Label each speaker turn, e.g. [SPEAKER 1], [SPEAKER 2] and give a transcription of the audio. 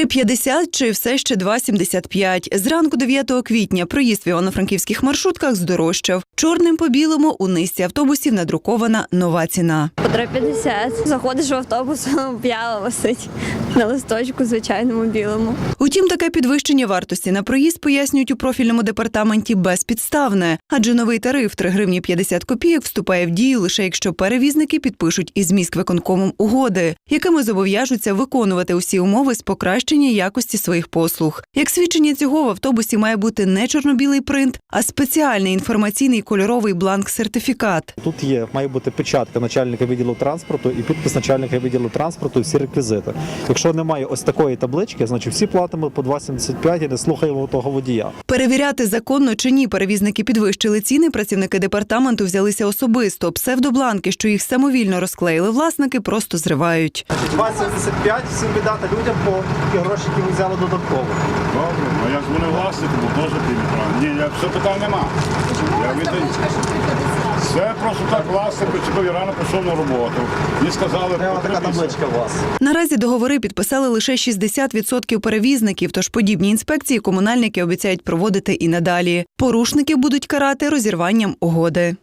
[SPEAKER 1] 3,50 чи все ще 2,75. Зранку 9 квітня проїзд в івано-франківських маршрутках здорожчав. Чорним по білому у низці автобусів надрукована нова ціна.
[SPEAKER 2] По 3,50. Заходиш в автобус, п'яла висить на листочку звичайному білому.
[SPEAKER 1] Утім, таке підвищення вартості на проїзд, пояснюють у профільному департаменті, безпідставне. Адже новий тариф 3 гривні 50 копійок вступає в дію лише якщо перевізники підпишуть із міськвиконкомом угоди, якими зобов'яжуться виконувати усі умови з покращення якості своїх послуг. Як свідчення цього, в автобусі має бути не чорно-білий принт, а спеціальний інформаційний кольоровий бланк-сертифікат.
[SPEAKER 3] Тут має бути печатка начальника відділу транспорту і підпис начальника відділу транспорту, і всі реквізити. Якщо немає ось такої таблички, значить всі платимо по 2,75 і не слухаємо того водія.
[SPEAKER 1] Перевіряти, законно чи ні перевізники підвищили ціни, працівники департаменту взялися особисто. Псевдобланки, що їх самовільно розклеїли власники, просто зривають.
[SPEAKER 3] 2,75 всім віддати людям по ті гроші, які ви взяли додатково.
[SPEAKER 4] Добре, а як вони власники, бо теж підійшли. Ні, все питань нема. Я віддаю. Це просто так власник причепив і рано пішов на роботу. І сказали,
[SPEAKER 3] така табличка у вас.
[SPEAKER 1] Наразі договори підписали лише 60% перевізників, тож подібні інспекції комунальники обіцяють проводити і надалі. Порушників будуть карати розірванням угоди.